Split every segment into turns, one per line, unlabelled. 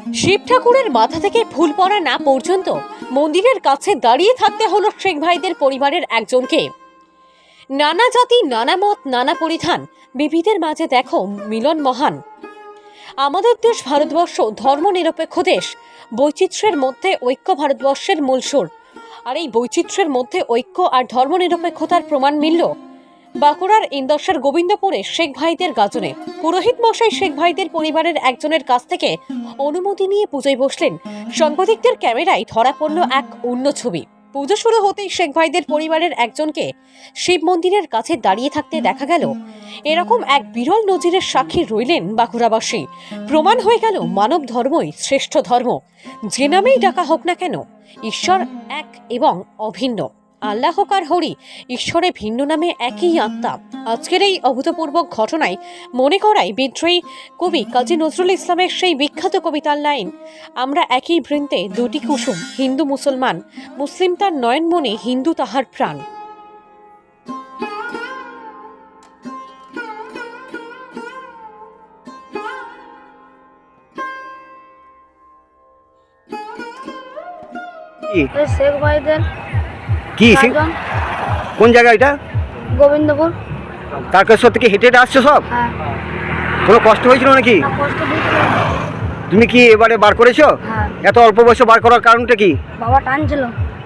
শিব ঠাকুরের মাথা থেকে ফুল পড়া না পর্যন্ত মন্দিরের কাছে দাঁড়িয়ে থাকতে হলো শেখ ভাইদের পরিবারের একজনকে। নানা জাতি, নানা মত, নানা পরিধান, বিবিধের মাঝে দেখো মিলন মহান। আমাদের দেশ ভারতবর্ষ ধর্মনিরপেক্ষ দেশ, বৈচিত্র্যের মধ্যে ঐক্য ভারতবর্ষের মূল সুর। আর এই বৈচিত্র্যের মধ্যে ঐক্য আর ধর্মনিরপেক্ষতার প্রমাণ মিলল বাঁকুড়ার ইন্দোসের গোবিন্দপুরে শেখ ভাইদের গাজনে। পুরোহিত মশাই শেখ ভাইদের পরিবারের একজনের কাছ থেকে অনুমতি নিয়ে পুজোয় বসলেন। সাংবাদিকদের ক্যামেরায় ধরা পড়ল এক অন্য ছবি। পুজো শুরু হতেই শেখ ভাইদের পরিবারের একজনকে শিব মন্দিরের কাছে দাঁড়িয়ে থাকতে দেখা গেল। এরকম এক বিরল নজিরের সাক্ষী রইলেন বাঁকুড়াবাসী। প্রমাণ হয়ে গেল মানব ধর্মই শ্রেষ্ঠ ধর্ম। যে নামেই ডাকা হোক না কেন, ঈশ্বর এক এবং অভিন্ন। আল্লাহ আর হরি, ঈশ্বরে ভিন্ন নামে একই আত্মা। আজকের এই অভূতপূর্ব ঘটনায় মনে করায় বিদ্রোহী কবি কাজী নজরুল ইসলামের সেই বিখ্যাত কবিতার লাইন, আমরা একই বৃন্তে দুটি কুসুম, হিন্দু মুসলমান, মুসলিম তার নয়নমণি, হিন্দু তাহার প্রাণ।
শেখ ভাইদের
কি
গাজন,
কোন জায়গা এটা?
গোবিন্দপুর।
তারকেশ্বর থেকে হেঁটে হেঁটে আসছো সব?
হ্যাঁ,
কোনো কষ্ট হয়েছিল নাকি?
না কষ্ট দিয়েছিল।
তুমি কি এবারে বার করেছো?
হ্যাঁ,
এত অল্প বয়সে বার করার কারণটা কি?
বাবা টানছিল,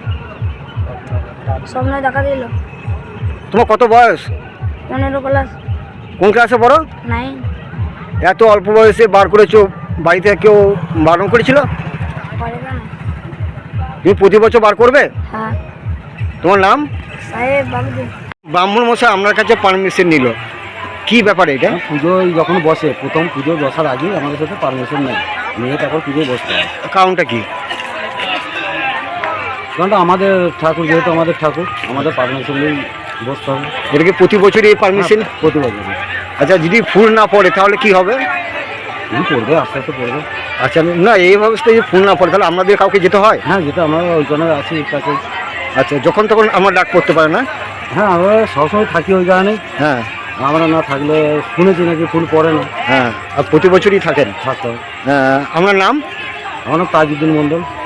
সামনে দেখা দিল।
তোমার কত বয়স?
15 ক্লাস,
কোন ক্লাসে পড়ো?
9।
এত অল্প বয়সে বার করেছো, বাড়িতে কেউ বারণ করেছিল?
পারে না।
তুমি প্রতি বছর বার করবে?
হ্যাঁ,
তোমার নাম?
সাহেব বাবুজি।
ব্রাহ্মণ মশাই আপনার কাছে পারমিশন নিল, কি ব্যাপারে এটা?
পুজোয় যখন বসে, প্রথম পুজো বসার আগেই আমাদের সাথে পারমিশন নেয়, নিয়ে তারপর পুজোয় বসতে হয়।
কারণটা কি?
কারণটা আমাদের ঠাকুর, যেহেতু আমাদের ঠাকুর, আমাদের পারমিশন নিয়েই বসতে হবে।
এটা কি প্রতি বছরই এই পারমিশন?
প্রতি বছর।
আচ্ছা, যদি ফুল না পড়ে তাহলে কি হবে?
তুমি পড়বে, আস্তে আস্তে পড়বে।
আচ্ছা, না এই অবস্থায় যদি ফুল না পড়ে তাহলে আমাদের কাউকে যেতে হয়?
হ্যাঁ, যেটা আমরা ওইখানে আছি কাছে।
আচ্ছা, যখন তখন আমরা ডাক করতে পারে না?
হ্যাঁ, আমরা সবসময় থাকি ওই কারণে।
হ্যাঁ
আমরা না থাকলে শুনেছি নাকি ফুল পড়ে না।
হ্যাঁ, আর প্রতি বছরই থাকেন?
থাকতে হবে।
আপনার নাম?
আমার নাম তাজউদ্দিন মণ্ডল।